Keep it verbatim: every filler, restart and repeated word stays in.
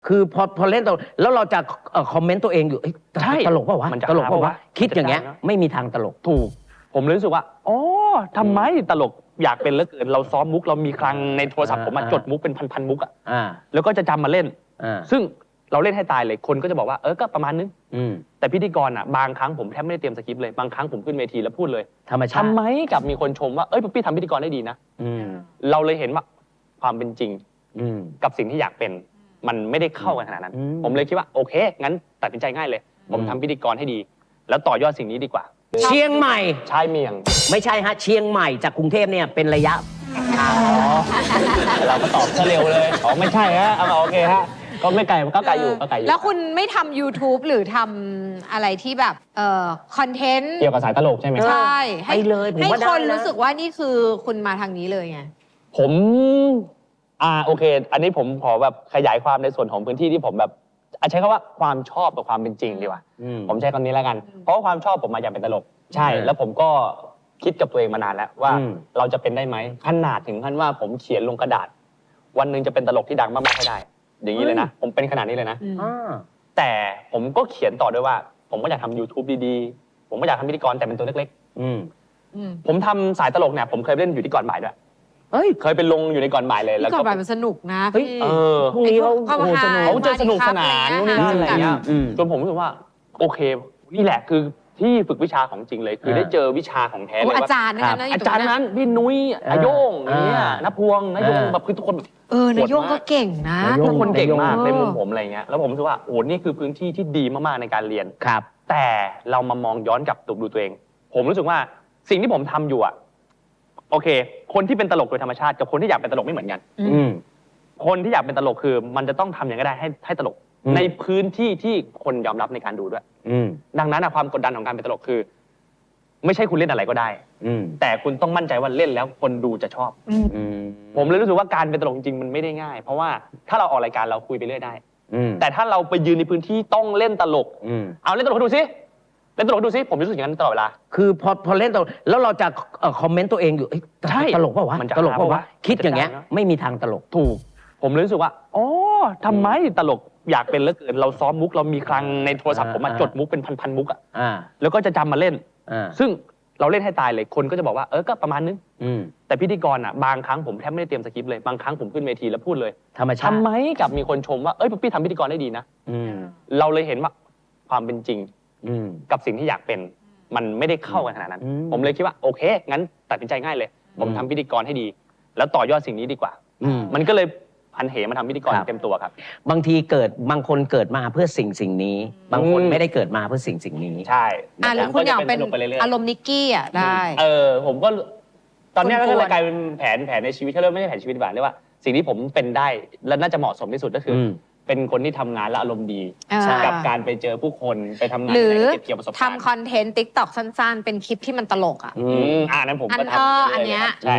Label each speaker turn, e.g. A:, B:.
A: คือพอพอเล่นตลกแล้วเราจะคอมเมนต์ตัวเองอยู่ใช่ตลกป่าววะตลกป่าววะคิดอย่างเงี้ยไม่มีทางตลก
B: ถูกผมเลยรู้สึกว่าอ๋อทำไมตลกอยากเป็นเหลือเกินเราซ้อมมุกเรามีคลังในโทรศัพท์ผมมาจดมุกเป็นพันๆมุกอ่ะแล้วก็จะจำมาเล่นซึ่งเราเล่นให้ตายเลยคนก็จะบอกว่าเออก็ประมาณนึงแต่พิธีกรอ่ะบางครั้งผมแทบไม่ได้เตรียมสคริปต์เลยบางครั้งผมขึ้นเวทีแล้วพูดเลย
A: ธรรมชาติ
B: ทำไมกับมีคนชมว่าเอ้ยพี่ทำพิธีกรได้ดีนะเราเลยเห็นว่าความเป็นจริงกับสิ่งที่อยากเป็นมันไม่ได้เข้ากันขนาดนั้นผมเลยคิดว่าโอเคงั้นตัดสินใจง่ายเลยผมทำพิธีกรให้ดีแล้วต่อยอดสิ่งนี้ดีกว่า
A: เชียงใหม่
B: ชายเมียง
A: ไม่ใช่ฮะเชียงใหม่จากกรุงเทพเนี่ยเป็นระยะ
B: อ๋อเราก็ตอบซะเร็วเลยอ๋อไม่ใช่ฮะเอาโอเคฮะก็ไม่ไกลก็ไกลอยู่ก็ไกลอยู่
C: แล้วคุณไม่ทำ YouTube หรือทำอะไรที่แบบเอ่อคอนเทนต์
B: เกี่ยวกับสายตลกใช่ไหม
C: ใช่
A: ให้เลย
C: ให้คนรู้สึกว่านี่คือคุณมาทางนี้เลยไง
B: ผมอ่าโอเคอันนี้ผมขอแบบขยายความในส่วนของพื้นที่ที่ผมแบบใช้คำว่าความชอบกับความเป็นจริงดีกว่าผมใช้คำนี้แล้วกันเพราะว่าความชอบผมมาอยากเป็นตลกใช่แล้วผมก็คิดกับตัวเองมานานแล้วว่าเราจะเป็นได้ไหมขนาดถึงขั้นว่าผมเขียนลงกระดาษวันหนึ่งจะเป็นตลกที่ดังมากๆให้ได้อย่างนี้เลยนะผมเป็นขนาดนี้เลยนะแต่ผมก็เขียนต่อด้วยว่าผมก็อยากทำ YouTube ดีๆผมก็อยากทำพิธีกรแต่เป็นตัวเล็กๆผมทำสายตลกเนี่ยผมเคยเล่นอยู่ที่ก่อนบ่ายด้วยเฮ้ยเคยไปลงอยู่ในก่อนบ่ายเลย
C: แล้วก่อนบ่ายมันสนุกนะพี่
B: เออ
A: พรุ่งนี้เขา
B: เขาจะสนุกสนานนู่นนี่อะไรเงี้ยจนผมรู้สึกว่าโอเคนี่แหละคือที่ฝึกวิชาของจริงเลยคือได้เจอวิชาของแท้เลยว่า
C: อาจารย์นั้น
B: อาจารย์นั้นพี่นุ้ยอาโยงอย่างเงี้ยนพวงนายงแบบคือทุกคน
C: เออนายงก็เก่งนะ
B: ทุกคนเก่งมากในมุมผมอะไรเงี้ยแล้วผมรู้สึกว่าโอ้นี่คือพื้นที่ที่ดีมากๆในการเรียน
A: ครับ
B: แต่เรามามองย้อนกลับดูตัวเองผมรู้สึกว่าสิ่งที่ผมทำอยู่อ่ะโอเคคนที่เป็นตลกโดยธรรมชาติกับคนที่อยากเป็นตลกไม่เหมือนกันคนที่อยากเป็นตลกคือมันจะต้องทำอย่างไรก็ได้ให้ให้ตลกในพื้นที่ที่คนยอมรับในการดูด้วยดังนั้นความกดดันของการเป็นตลกคือไม่ใช่คุณเล่นอะไรก็ได้แต่คุณต้องมั่นใจว่าเล่นแล้วคนดูจะชอบผมเลยรู้สึกว่าการเป็นตลกจริงๆมันไม่ได้ง่ายเพราะว่าถ้าเราออกรายการเราคุยไปเรื่อยได้แต่ถ้าเราไปยืนในพื้นที่ต้องเล่นตลกเอาเล่นตลกให้ดูสิเล่นตลกให้ดูสิผมรู้สึกอย่างนั้นตลอดเวลา
A: คือพอพอเล่นตลกแล้วเราจะคอมเมนต์ตัวเองอยู่ใช่ตลกป่าววะตลกป่าววะคิดอย่างเงี้ยไม่มีทางตลก
B: ถูกผมเลยรู้สึกว่าอ๋อทำไมตลกอยากเป็นเหลือเกินเราซ้อมมุกเรามีคลังในโทรศัพท์ผมมาจดมุกเป็นพันๆมุกอ่ะแล้วก็จะจำมาเล่นซึ่งเราเล่นให้ตายเลยคนก็จะบอกว่าเออก็ประมาณนึงแต่พิธีกรอ่ะบางครั้งผมแทบไม่ได้เตรียมสคริปต์เลยบางครั้งผมขึ้นเวทีแล้วพูดเลย
A: ธรรมชาติ
B: ทำไมกับมีคนชมว่าเอ้ยพี่ทำพิธีกรได้ดีนะเราเลยเห็นว่าความเป็นจริงกับสิ่งที่อยากเป็นมันไม่ได้เข้ากันขนาดนั้นผมเลยคิดว่าโอเคงั้นตัดสินใจง่ายเลยผมทำพิธีกรให้ดีแล้วต่อยอดสิ่งนี้ดีกว่ามันก็เลยพันเหมาทำพิธีกรเต็มตัวครับ
A: บางทีเกิดบางคนเกิดมาเพื่อสิ่งสิ่งนี้บางคนไม่ได้เกิดมาเพื่อสิ่งสิ่งนี้
B: ใช่
C: อ่ะหรือคุณอยากเป็นอารมณ์นิกกี้อ่ะได้
B: เออผมก็ตอนนี้ก็เลยกลายเป็นแผนแผนในชีวิตถ้าเริ่มไม่ใช่แผนชีวิตแบบเรียกว่าสิ่งที่ผมเป็นได้และน่าจะเหมาะสมที่สุดก็คือเป็นคนที่ทำงานและอารมณ์ดีกับการไปเจอผู้คนไปทำงาน
C: หรือทำคอนเทนต์ติ๊กต็อกสั้นๆเป็นคลิปที่มันตลกอ่ะ
B: อ่านั้นผมก็ท
C: ำอันเนี้ย